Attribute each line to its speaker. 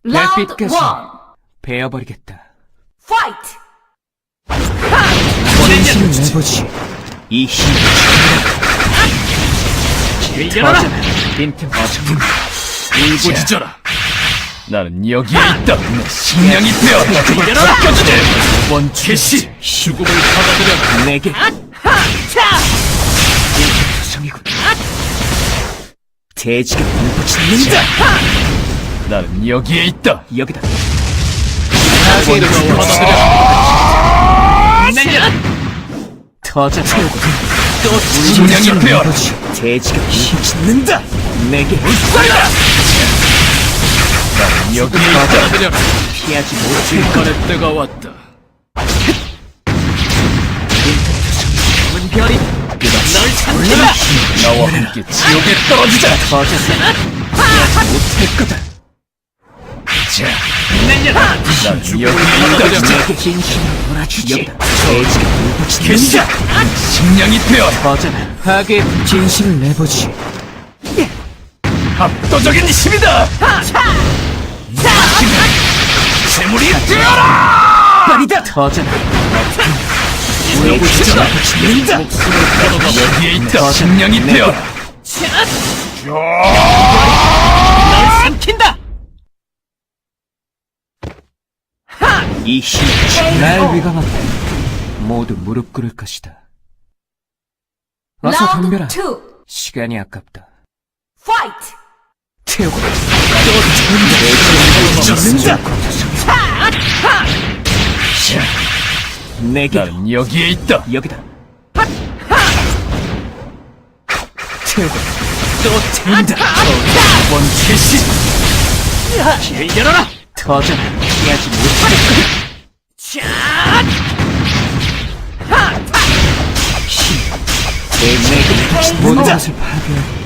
Speaker 1: Round
Speaker 2: 햇빛까지
Speaker 1: 1.
Speaker 2: 베어버리겠다.
Speaker 1: Fight!
Speaker 2: 진심을 내보지. 이 힘을
Speaker 3: 열어라!
Speaker 2: 터져라. 빈틈 없음.
Speaker 3: 울부짖어라! 나는 여기에 있다! 내 식량이 되어 죽음을 벗겨주지! 원 개시! 죽음을 받아들여!
Speaker 2: 내게 투성이군. 돼지가 울부짖는다.
Speaker 3: 나는 여기에 있다!
Speaker 2: 여기다.
Speaker 3: 원을 받아들여!
Speaker 2: 내려. 터져.
Speaker 3: 또 식량이 되어!
Speaker 2: 돼지가 울부짖는다. 내게
Speaker 3: 나는 여기에 있다! 받아들여!
Speaker 2: 피하지 못할
Speaker 3: 질판의 때가 왔다!
Speaker 2: 검은 별이 널
Speaker 3: 올라라! 나와 함께 지옥에 떨어지자!
Speaker 2: 터져서 피하지 못할 거다.
Speaker 3: 자, 나는 여기에 있다!
Speaker 2: 내게 진심을 몰아주지. 여기다. 돼지가
Speaker 3: 개시!
Speaker 2: 울부짖는다.
Speaker 3: 식량이 되어!
Speaker 2: 터져라. 하게 진심을 내보지.
Speaker 3: 압도적인 힘이다! 재물이 되어라!
Speaker 2: 빨리다. 터져라.
Speaker 3: 울부짖어라!
Speaker 2: 울부짖는다.
Speaker 3: 여기에 있다! 식량이 되어라!
Speaker 2: 널 삼킨다. 이 힘이 날 위감한다. 모두 무릎 꿇을 것이다. 어서
Speaker 1: Round
Speaker 2: 덤벼라.
Speaker 1: 2.
Speaker 2: 시간이 아깝다.
Speaker 1: Fight!
Speaker 2: 태우고
Speaker 3: 졌습니다.
Speaker 2: 내게
Speaker 3: 나는 여기에 있다!
Speaker 2: 여기다. 태우고 또 태운다.
Speaker 3: 원 개시!
Speaker 2: 길을 열어라. 터져라. 피하지 못할 거다. 내게 모든 것을 파괴하고